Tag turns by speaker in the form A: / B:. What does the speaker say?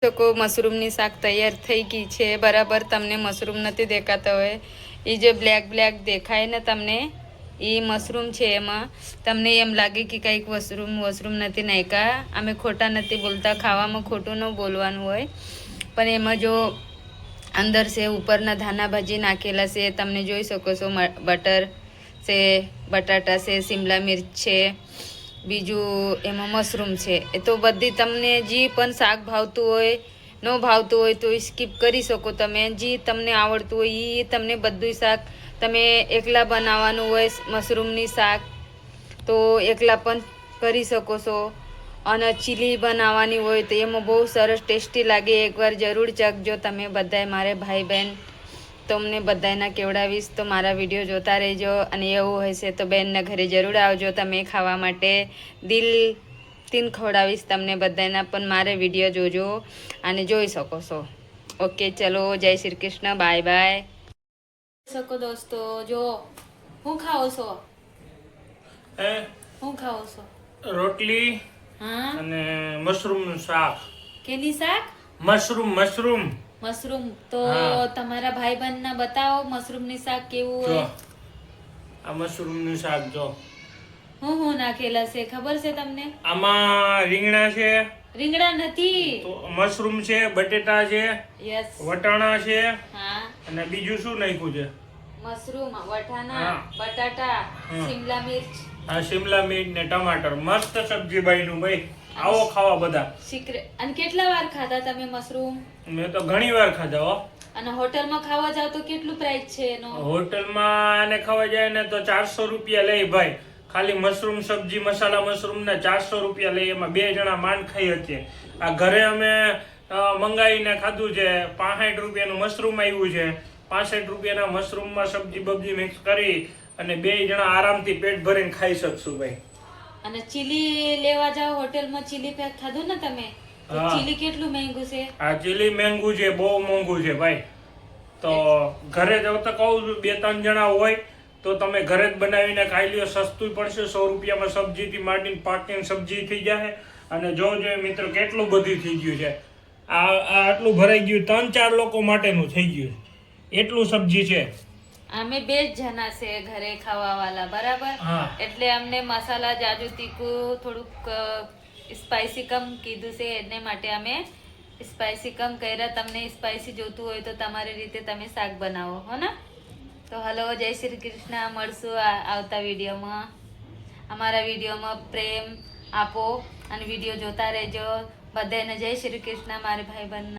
A: શકો મશરૂમની શાક તૈયાર થઈ ગઈ છે બરાબર. તમને મશરૂમ નથી દેખાતા હોય, એ જે બ્લેક બ્લેક દેખાય ને તમને, એ મશરૂમ છે. એમાં તમને એમ લાગે કે કંઈક વશરૂમ નથી નાખ્યા. અમે ખોટા નથી બોલતા, ખાવામાં ખોટું ન બોલવાનું હોય, પણ એમાં જો અંદર છે ઉપરના ધાના ભાજી નાખેલા છે. તમને જોઈ શકો છો બટર છે, બટાટા છે, શિમલા મિર્ચ છે, બીજું એમાં મશરૂમ છે. એ તો બધી તમને જે પણ શાક ભાવતું હોય, ન ભાવતું હોય તો સ્કીપ કરી શકો તમે. જે તમને આવડતું હોય એ તમને બધું શાક તમે એકલા બનાવવાનું હોય મશરૂમની શાક તો એકલા પણ કરી શકો છો. અને ચીલી બનાવવાની હોય તો એમાં બહુ સરસ ટેસ્ટી લાગે. એકવાર જરૂર ચખજો તમે બધાય. મારે ભાઈ બહેન તમને બધાના કેવડાવીશ, તો મારા વિડીયો જોતા રહેજો. અને એવું હશે તો બેનના ઘરે જરૂર આવજો તમે ખાવા માટે. દિલથી ખવડાવીશ તમને બધાના, પણ મારે વિડીયો જોજો અને જોઈ શકો છો. ઓકે, ચલો, જય શ્રી કૃષ્ણ, બાય બાય. શકો દોસ્તો, જો હું ખાઓ છો, હું ખાઓ છો?
B: રોટલી અને મશરૂમ નું શાક.
A: કેની શાક?
B: મશરૂમ.
A: તો તમારા ભાઈ બહેન ના બતાવો મશરૂમ ની શાક કેવું હોય.
B: આ મશરૂમ નું શાક જો
A: હું નાખેલા છે ખબર છે તમને?
B: આમાં રીંગણા છે.
A: રીંગણા નથી,
B: તો મશરૂમ છે, બટેટા છે,
A: યસ,
B: વટાણા છે,
A: હા,
B: અને બીજું શું નાખ્યું છે?
A: મશરૂમ, વટાણા, બટાટા, શિમલા મિર્ચ,
B: શિમલા મિર્ચ ને ટમાટર. મસ્ત સબ્જી બન્યું ભાઈ. આવો ખાવા બધા.
A: અને કેટલા વાર ખાધા તમે મશરૂમ?
B: મેં તો ઘણી વાર ખાધા હો.
A: અને હોટલમાં ખાવા જાવ તો કેટલું પ્રાઇસ છે એનો?
B: હોટલમાં આને ખાવા જાય ને તો 400 રૂપિયા લઈ ભાઈ. ખાલી મશરૂમ સબ્જી મસાલા મશરૂમ ના 400 રૂપિયા લઈ. એમાં 2 જણા માંડ ખાઈ શકીએ. આ ઘરે અમે મંગાવીને ખાધું છે. 65 રૂપિયાનું મશરૂમ આવ્યું છે. 65 રૂપિયાના મશરૂમમાં સબ્જી બબ્જી મિક્સ કરી અને 2 જણા આરામથી પેટ ભરીને ખાઈ શકશું ભાઈ.
A: અને ચીલી લેવા જાવ હોટેલમાં, ચીલી પેક ખાધું ને તમે? ચીલી કેટલું મહેંગું છે? આ
B: ચીલી મહેંગું છે, બહુ મોંઘું છે ભાઈ. તો ઘરે જાવ તો કહું 2-3 જણા હોય તો તમે ઘરે જ બનાવીને ખાઈ લ્યો. સસ્તું પડશે. 100 રૂપિયામાં સબ્જીથી માંડીને પાકીને સબ્જી થઈ જાય. અને જોજો મિત્રો કેટલું બધું થઈ ગયું છે. આ આટલું ભરાઈ ગયું 3-4 લોકો માટેનું થઈ ગયું. એટલું સબ્જી છે.
A: અમે 2 જણા છે ઘરે ખાવા વાળા બરાબર. એટલે અમને મસાલા જાજુ તીખું થોડુંક સ્પાઈસી કમ કીધું છે, એને માટે અમે સ્પાઈસી કમ કર્યા. તમને સ્પાઈસી જોતું હોય તો તમારી રીતે તમે શાક બનાવો હો ને. તો હલો, જય શ્રી કૃષ્ણ. મળશું આવતા વિડીયોમાં. અમારા વિડીયોમાં પ્રેમ આપો અને વિડીયો જોતા રહેજો. બધાને જય શ્રી કૃષ્ણ મારે ભાઈ બહેન.